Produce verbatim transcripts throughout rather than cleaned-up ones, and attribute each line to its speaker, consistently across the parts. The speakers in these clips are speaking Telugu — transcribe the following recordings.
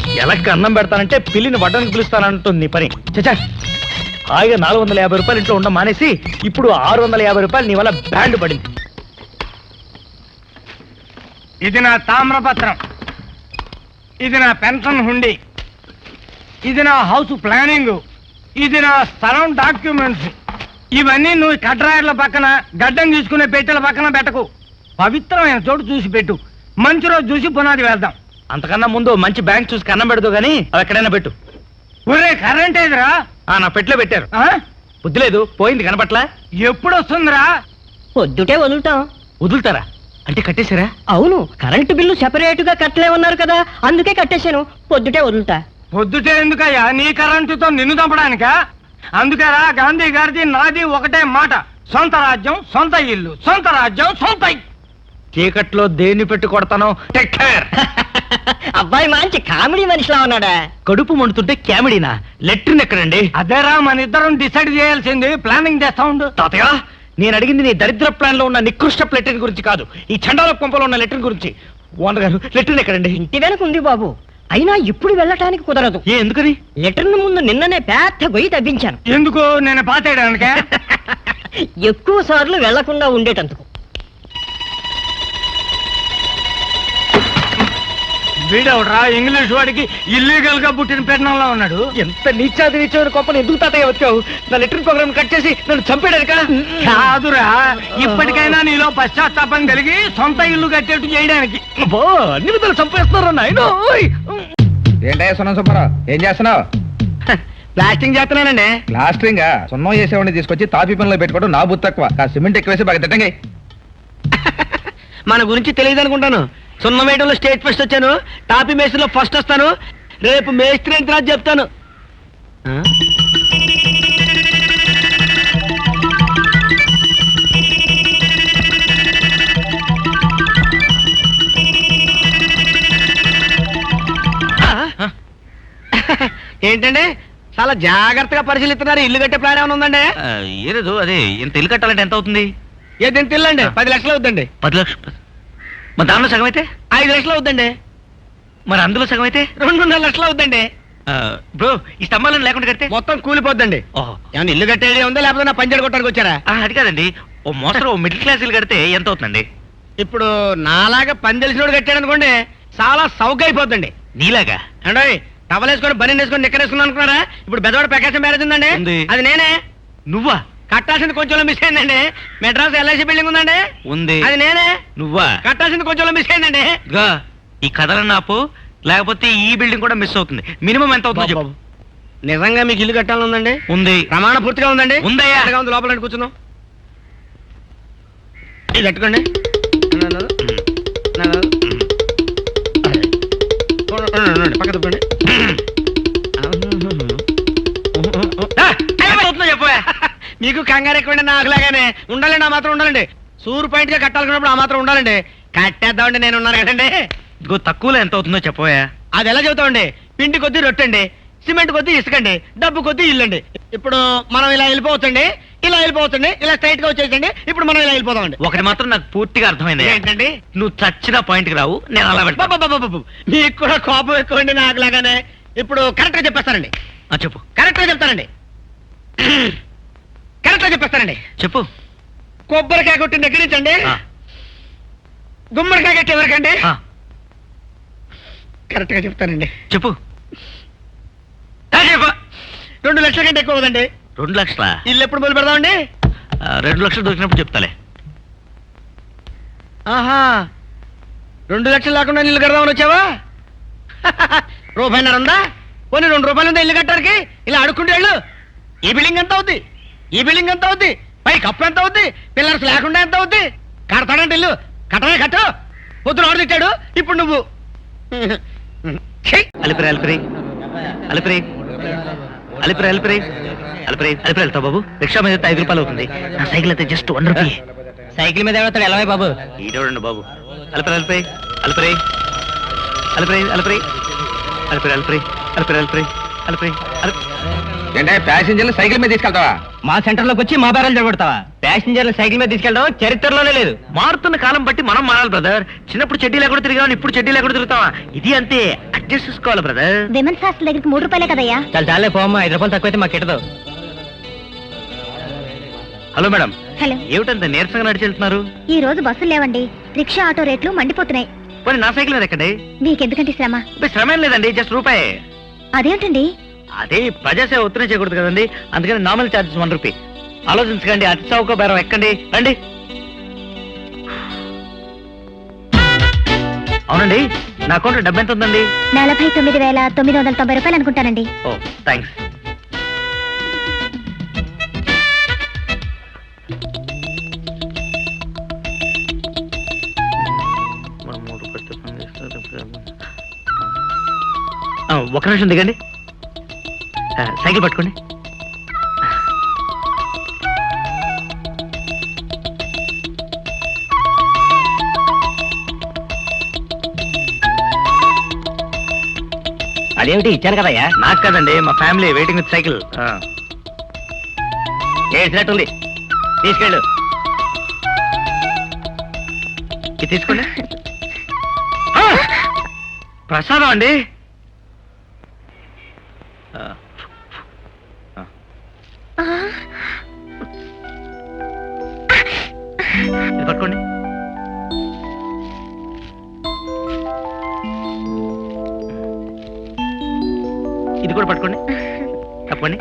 Speaker 1: ఎలక్కి అన్నం పెడతానంటే పిల్లిని వడ్డానికి పిలుస్తానంటుంది నీ పని. చచ్చా, హాయిగా నాలుగు వందల యాభై రూపాయలు ఇంట్లో ఉండడం మానేసి ఇప్పుడు ఆరు వందల యాభై రూపాయలు నీ వల్ల బ్యాండ్ పడింది.
Speaker 2: ఇది నా తామ్రపత్రం, ఇది నా పెన్షన్ హుండీ, ఇది నా హౌస్ ప్లానింగ్, ఇది నా స్థలం డాక్యుమెంట్స్. ఇవన్నీ నువ్వు కడ్రాయర్ల పక్కన గడ్డం తీసుకునే పెట్టెల పక్కన పెట్టకు. పవిత్రమైన చోటు చూసి పెట్టు. మంచి రోజు చూసి పునాది వేద్దాం.
Speaker 1: అంతకన్నా ముందు మంచి బ్యాంక్ చూసి కన్నం పెడదు గానీ అవి ఎక్కడైనా పెట్టు.
Speaker 2: ఒరే కరెంట్ ఏదిరా?
Speaker 1: నా పెట్లో పెట్టారు. బుద్ధి లేదు, పోయింది కనపట్లా.
Speaker 2: ఎప్పుడు వస్తుందిరా?
Speaker 3: పొద్దుటే వదులుతాం.
Speaker 1: వదులుతారా అంటే కట్టేశారా?
Speaker 3: అవును, కరెంటు బిల్లు సెపరేట్ గా కట్టలేమన్నారు కదా, అందుకే కట్టేశాను. పొద్దుటే వదులుతా.
Speaker 2: పొద్దుటే ఎందుకయ్యా? నీ కరెంటుతో నిన్ను చంపడానికా? అందుకేరా గాంధీ గారిది నాది ఒకటే మాట, సొంత రాజ్యం సొంత ఇల్లు, సొంత రాజ్యం సొంత ఇల్లు.
Speaker 1: చీకట్లో దేన్ని పెట్టి కొడతాను. Take care.
Speaker 3: అబ్బాయి మంచి కామెడీ మనిషిలా ఉన్నాడా?
Speaker 1: కడుపు మండుతుంటే క్యామిడీనా? లెట్రిన్ ఎక్కడండి?
Speaker 2: అదేరా మన ఇద్దరం డిసైడ్ చేయాల్సింది. ప్లానింగ్ చేస్తా ఉండు.
Speaker 1: తాతయ్య, నేను అడిగింది నీ దరిద్ర ప్లాన్ లో ఉన్న నికృష్ట లెట్రిన్ గురించి కాదు, ఈ చండాల పంపలో ఉన్న లెట్రిన్ గురించి. ఓనర్ గారు, లెట్రిన్ ఎక్కడండి?
Speaker 3: ఇంటి వెనక ఉంది బాబు, అయినా ఇప్పుడు వెళ్ళటానికి కుదరదు.
Speaker 1: ఏ ఎందుకని?
Speaker 3: లెటర్ ముందు నిన్ననే పెద్ద గొయ్యి తవ్వించాను.
Speaker 2: ఎందుకు? నేను పాతేయడానికే.
Speaker 3: ఎక్కువ సార్లు వెళ్లకుండా ఉండేటందుకు.
Speaker 2: వీడవడరా ఇంగ్లీష్ వాడికి ఇల్లీగల్ గా పుట్టిన పెట్టడంలో ఉన్నాడు.
Speaker 1: ఎంత నీచాది నీచమైన కోపని ఎందుకు తాతయ్య వచ్చావు? నా లెట్రిన్ ప్రోగ్రామ్ కట్ చేసి నన్ను చంపేడానికా?
Speaker 2: కాదురా, ఇప్పటికైనా నీలో పశ్చాత్తాపం కలిగి సొంత ఇల్లు కట్టేట్టు చేయడానికి.
Speaker 1: అన్ని విధాలు చంపేస్తున్నారు నాయన.
Speaker 4: ఏంటయ్యా సున్నం సుబ్బారావు, ఏం చేస్తున్నావు?
Speaker 1: ప్లాస్టింగ్ చేస్తున్నానండి.
Speaker 4: ప్లాస్టరింగ్ సున్నం చేసేవాడిని తీసుకొచ్చి తాపీ పనిలో పెట్టుకోవడం నా బుద్ధి తక్కువ. ఆ సిమెంట్ ఎక్కువేసి బాగా తిట్టండి.
Speaker 1: మన గురించి తెలియదు అనుకుంటాను. సున్నం వేయడంలో స్టేట్ ఫస్ట్ వచ్చాను, టాపీ మేస్త్రిలో ఫస్ట్ వస్తాను. రేపు మేస్త్రి ఎంత రాజు చెప్తాను. ఏంటండి చాలా జాగ్రత్తగా పరిశీలిస్తున్నారు. ఇల్లు కట్టే ప్లాన్ ఏమైనా ఉందండి?
Speaker 5: ఏలేదు, అదే ఇంత ఇల్లు కట్టాలంటే ఎంత అవుతుంది?
Speaker 1: ఏది ఎంత ఇల్లు అండి? పది లక్షలు అవుతుందండి.
Speaker 5: పది లక్షలు? మరి దానిలో సగం అయితే
Speaker 1: ఐదు లక్షలు అవుతుందండి.
Speaker 5: మరి అందులో సగం అయితే
Speaker 1: రెండున్నర లక్షలు అవుతుందండి.
Speaker 5: బ్రో, ఈ స్తంభాలను లేకుండా కడితే
Speaker 1: మొత్తం కూలిపోద్దండి.
Speaker 5: ఓహో,
Speaker 1: ఏమన్నా ఇల్లు కట్టేది ఉందా, లేకపోతే నా పంచర్ కొట్టడానికి వచ్చారా?
Speaker 5: ఆ, అది కాదండి, ఓ మోస్తరు ఓ మిడిల్ క్లాస్ ఇల్లు కడితే ఎంత అవుతుందండి?
Speaker 1: ఇప్పుడు నాలాగా పని తెలిసినోడు కట్టాడు అనుకోండి, చాలా సౌక అయిపోద్దండి.
Speaker 5: నీలాగా
Speaker 1: అంటే టవల్ వేసుకొని బని వేసుకొని నిక్కరేసుకుని అనుకున్నారా? ఇప్పుడు బెదవాడ ప్రకాశం మ్యారేజ్ ఉందండి,
Speaker 5: ఉంది.
Speaker 1: అది నేనే.
Speaker 5: నువ్వా?
Speaker 1: కట్టాల్సింది కొంచెం మిస్ అయిందండి. మెడ్రాస్ ఎల్ఐసి బిల్డింగ్ ఉందండి,
Speaker 5: ఉంది.
Speaker 1: అది నేనే.
Speaker 5: నువ్వా?
Speaker 1: కట్టాల్సింది కొంచెం మిస్ అయిందండి.
Speaker 5: ఇదిగో, ఈ కథలను ఆపు, లేకపోతే ఈ బిల్డింగ్ కూడా మిస్ అవుతుంది. మినిమం ఎంత అవుతుందో చెప్పు.
Speaker 1: నిజంగా మీకు ఇల్లు కట్టాలని ఉందండి?
Speaker 5: ఉంది.
Speaker 1: ప్రమాణ పూర్తిగా ఉందండి?
Speaker 5: ఉందయ్యా.
Speaker 1: ఎంతగా ఉంది? లోపల కూర్చుందాం. ఇది కట్టుకోండి. పక్క తప్పండి.
Speaker 5: చెప్పా,
Speaker 1: మీకు కంగారు ఎక్కువండి, నాకులాగానే ఉండాలండి. ఆ మాత్రం ఉండాలండి. సూర్ పాయింట్ గా కట్టాలనుకున్నప్పుడు ఆ మాత్రం ఉండాలండి. కట్టేద్దామండి, నేను ఉన్నాను కదండి.
Speaker 5: ఇదిగో, తక్కువలో ఎంత అవుతుందో చెప్పవా.
Speaker 1: అది ఎలా చెబుతామండి? పిండి కొద్దీ రొట్టండి, సిమెంట్ కొద్దీ ఇసుకండి, డబ్బు కొద్దీ ఇల్లండి. ఇప్పుడు మనం ఇలా వెళ్ళిపోవచ్చండి, ఇలా వెళ్ళిపోవచ్చండి, ఇలా స్ట్రైట్ గా వచ్చేసండి. ఇప్పుడు మనం ఇలా వెళ్ళిపోతామండి.
Speaker 5: ఒకటి మాత్రం నాకు పూర్తిగా అర్థమైంది.
Speaker 1: ఏంటండి?
Speaker 5: నువ్వు చచ్చిన పాయింట్ కి రావు, నేను అలా వెళ్తా.
Speaker 1: బాబు, మీకు కూడా కోపం ఎక్కువండి నాకులాగానే. ఇప్పుడు కరెక్ట్ గా చెప్పేస్తానండి.
Speaker 5: ఆ, చెప్పు.
Speaker 1: కరెక్ట్ గా చెప్తానండి. కరెక్ట్ గా చెప్పేస్తానండి.
Speaker 5: చెప్పు.
Speaker 1: కొబ్బరికాయ కొట్టిన దగ్గర నుంచి అండి,
Speaker 5: ఆ,
Speaker 1: గుమ్మడికాయ కట్టే వరకండి.
Speaker 5: ఆ,
Speaker 1: కరెక్ట్ గా చెప్తానండి.
Speaker 5: చెప్పు. ఆ, చెప్పు.
Speaker 1: రెండు లక్షల కంటే ఎక్కువ కదండి.
Speaker 5: రెండు లక్షల
Speaker 1: ఇల్లు ఎప్పుడు మొదలు పెడదామండి?
Speaker 5: రెండు లక్షలు దొరికినప్పుడు చెప్తాలే.
Speaker 1: ఆహా, రెండు లక్షలు లేకుండా ఇల్లు కడదామని వచ్చావా? రూపాయిన్నర ఉందా? పోనీ రెండు రూపాయలు ఉందా ఇల్లు కట్టడానికి? ఇలా అడుక్కుంటే వెళ్ళు. ఈ బిల్డింగ్ ఎంత అవుద్ది? ఈ బిల్డింగ్ ఎంత అవుద్ది? పై కప్పు ఎంత అవుద్ది? పిల్లర్స్ లేకుండా ఎంత అవుద్ది? కడతాడంటే ఇల్లు కట్టనే కట్టు. పొద్దున ఆడు తిట్టాడు, ఇప్పుడు నువ్వు.
Speaker 5: అలిపిరి అలిపిరి అలిపిరి అలిపిరి అలిపిరి అలిపిరి అలిపిరి వెళ్తావు బాబు. రిక్షా మీద ఐదు రూపాయలు అవుతుంది. నా సైకిల్ అయితే జస్ట్ వన్ రూపీ.
Speaker 3: సైకిల్ మీద ఎవడతాడు? ఎలా బాబు?
Speaker 5: ఈడోడండి బాబు. అలిపిరి అలిపిరి అలిపిరి అలిపిరి అలిపిరి అలిపిరి అలిపిరి అలిపిరి అలిపిరి అలిపిరి
Speaker 4: ఏంటే ప్యాసింజర్లు సైకిల్ మీద తీసుకెళ్తావా?
Speaker 3: మా సెంటర్ లోకి వచ్చి మా బేరాలు జరగొడతావా? ప్యాసింజర్లు సైకిల్ మీద తీసుకెళ్ళడం చరిత్రలోనే లేదు.
Speaker 5: మారుతున్న కాలం బట్టి మనం మారాలి బ్రదర్. చిన్నప్పుడు చెడ్డీ లేకుండా తిరిగాం, ఇప్పుడు చెడ్డీ లేకుండా తిరుగుతావా? ఇది అంతే, అడ్జస్ట్ చేసుకోవాలి బ్రదర్.
Speaker 6: విమెన్స్ హాస్టల్ దగ్గరికి మూడు రూపాయలే కదయ్యా.
Speaker 3: చాలా చాలే పోమ్మా, ఐదు రూపాయలు తక్కువైతే మాకు కిట్టదు.
Speaker 5: హలో మేడం,
Speaker 6: హలో,
Speaker 5: ఏమిటంత నీరసంగా నడిచి వెళ్తున్నారు?
Speaker 6: ఈ రోజు బస్సులు లేవండి. రిక్షా ఆటో రేట్లు మండిపోతున్నాయి.
Speaker 5: పోనీ నా సైకిల్ మీద ఎక్కండి.
Speaker 6: మీకెందుకంటే శ్రమ?
Speaker 5: ఇప్పుడు శ్రమ ఏం లేదండి, జస్ట్ రూపాయి.
Speaker 6: అదేంటండి?
Speaker 5: అదే ప్రజాసేవ ఒత్తిడి చేయకూడదు కదండి, అందుకని నార్మల్ ఛార్జెస్ వన్ రూపీ. ఆలోచించకండి, అతి చౌక బేరం ఎక్కండి, రండి. అవునండి, నా అకౌంట్లో డబ్బు ఎంత ఉందండి?
Speaker 6: నలభై తొమ్మిది వేల తొమ్మిది వందల తొంభై రూపాయలు అనుకుంటానండి.
Speaker 5: ఓ థ్యాంక్స్. ఆ, ఒక నిమిషం దిగండి. ఆ, సైకిల్ పట్టుకోండి.
Speaker 3: అదేమిటి ఇచ్చాను కదయ్యా?
Speaker 5: నాకు కదండి, మా ఫ్యామిలీ వెయిటింగ్ విత్ సైకిల్.
Speaker 3: ఏసినట్టుంది, తీసుకెళ్ళు.
Speaker 5: ఇది తీసుకోండి. ఆ! ప్రసాదం అండి. ఆ. ఆ. ఇది పట్టుకోండి. ఇది కూడా పట్టుకోండి, తప్పండి.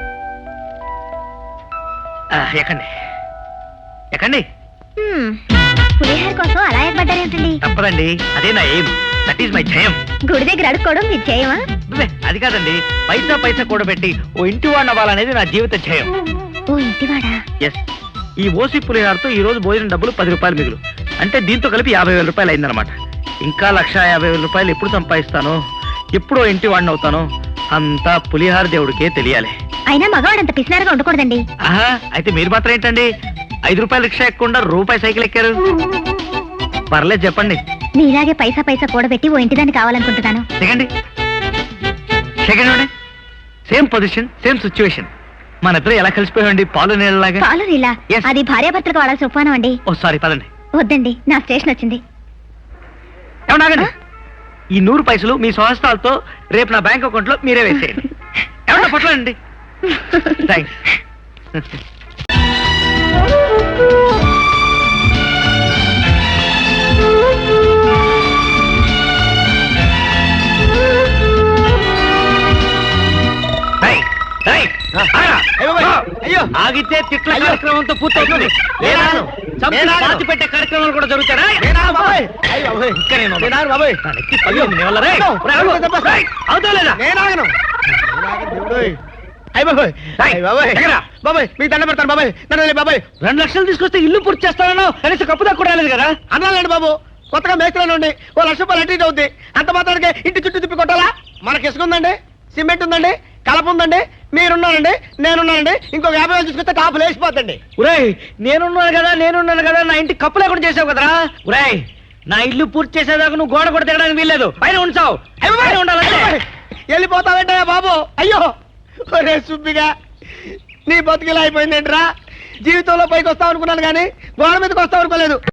Speaker 5: ఎక్కండి ఎక్కండి.
Speaker 6: హ్మ్, పులిహోర కోసం అలా ఏర్పడ్డారేంటండి?
Speaker 5: తప్పదండి, అదే నా ఎయిమ్, దట్ ఈస్ మై జయం.
Speaker 6: గుడి దగ్గర అడుక్కోవడం మీ జయమా?
Speaker 5: అబ్బే, అది కాదండి, పైసా పైసా కూడబెట్టి ఓ ఇంటి వాడిని అవ్వాలనేది నా జీవిత జయం.
Speaker 6: ఓ ఇంటివాడా?
Speaker 5: ఎస్, ఈ ఓసి పులిహారతో ఈ రోజు భోజనం డబ్బులు పది రూపాయలు మిగులు, అంటే దీంతో కలిపి యాభై వేల రూపాయలు అయిందనమాట. ఇంకా లక్ష యాభై వేల రూపాయలు ఎప్పుడు సంపాదిస్తానో, ఎప్పుడో ఇంటి వాడిని అవుతానో, అంతా పులిహార దేవుడికే తెలియాలి.
Speaker 6: అయినా మగవాడంత పిసినారుగా ఉండకూడదండి.
Speaker 5: ఆహా, అయితే మీరు మాత్రం ఏంటండి ఐదు రూపాయలు రిక్షా ఎక్కకుండా రూపాయి సైకిల్ ఎక్కారు? పర్లేదు చెప్పండి.
Speaker 6: మీలాగే పైసా పైసా కూడబెట్టి ఓ ఇంటిదాన్ని కావాలనుకుంటున్నాను.
Speaker 5: Second second same position, same situation. మన ఇద్దరు ఎలా కలిసిపోయామండి, పాలు నీళ్ళలాగా.
Speaker 6: పాలు నీలా?
Speaker 5: Yes.
Speaker 6: అది భార్యాభర్తలకు వాడాల్సిన ఉపమానం అండి.
Speaker 5: ఓ సారీ, పదండి.
Speaker 6: వద్దండి, నా స్టేషన్ వచ్చింది.
Speaker 5: ఏమన్నాగండి, ఈ నూరు పైసలు మీ స్వహస్తాలతో రేపు నా బ్యాంక్ అకౌంట్ లో మీరే వేసేయండి. ఏమన్నా పట్లండి. థ్యాంక్స్.
Speaker 1: అయ్యో,
Speaker 5: ఆగితే తిట్ల
Speaker 1: అయ్యో.
Speaker 5: కార్యక్రమంతో పూర్తవుతుంది. లేదా
Speaker 1: నేను-
Speaker 5: చంపి
Speaker 1: నేను-
Speaker 5: పాతి పెట్టే కార్యక్రమాలు కూడా జరుగుతారా?
Speaker 1: నేనా బాబాయ్? అయ్యో బాబాయ్.
Speaker 5: ఇంకా నేను ఉన్నాను.
Speaker 1: నేనా బాబాయ్?
Speaker 5: నా నెత్తి పగిలింది నీ వల్ల. రేయ్,
Speaker 1: అయ్యో,
Speaker 5: రేయ్,
Speaker 1: అయ్యో, దెబ్బ.
Speaker 5: రేయ్, అవుతావా లేదా?
Speaker 1: నేనాగను. నేనాగను, దేవుడోయ్. అయ్య బాబాయ్,
Speaker 5: రేయ్,
Speaker 1: అయ్య బాబాయ్,
Speaker 5: ఎక్కడా?
Speaker 1: బాబాయ్ మీకు దండ పెడతాను బాబాయ్, నన్ను వదిలేయ్ బాబాయ్.
Speaker 5: రెండు లక్షలు తీసుకొస్తే ఇల్లు పూర్తి చేస్తానో కనీసం కప్పు దాకా కూడా రాలేదు కదా.
Speaker 1: అన్నాలండి బాబు, కొత్తగా మేస్త్రిలో ఉండి ఓ లక్ష రూపాయలు అటు ఇటు అవుద్ది. అంత మాత్రానికి ఇంటి చుట్టూ తిప్పి కొట్టాలా? మనకి ఇసుక ఉందండి, సిమెంట్ ఉందండి, కలప ఉందండి, మీరున్నారండి, నేనున్నానండి, ఇంకొక యాభై వేలు తీసుకొస్తే టాపు లేచిపోతండి.
Speaker 5: ఉరేయ్, నేనున్నాను కదా నేనున్నాను కదా నా ఇంటి కప్పు లేకుండా చేసావు కదరా. ఉరేయ్, నా ఇల్లు పూర్తి చేసేదాకా నువ్వు గోడ కూడా తిరగడానికి వీల్లేదు, పైన ఉంచావు. పైన ఉండాలంటే
Speaker 1: వెళ్ళిపోతావేంటయ్యా బాబు? అయ్యో ఒరే సుబ్బిగా, నీ బతుకిలా అయిపోయిందేంట్రా? జీవితంలో పైకి వస్తావు అనుకున్నాను కానీ గోడ మీదకి వస్తావు అనుకోలేదు.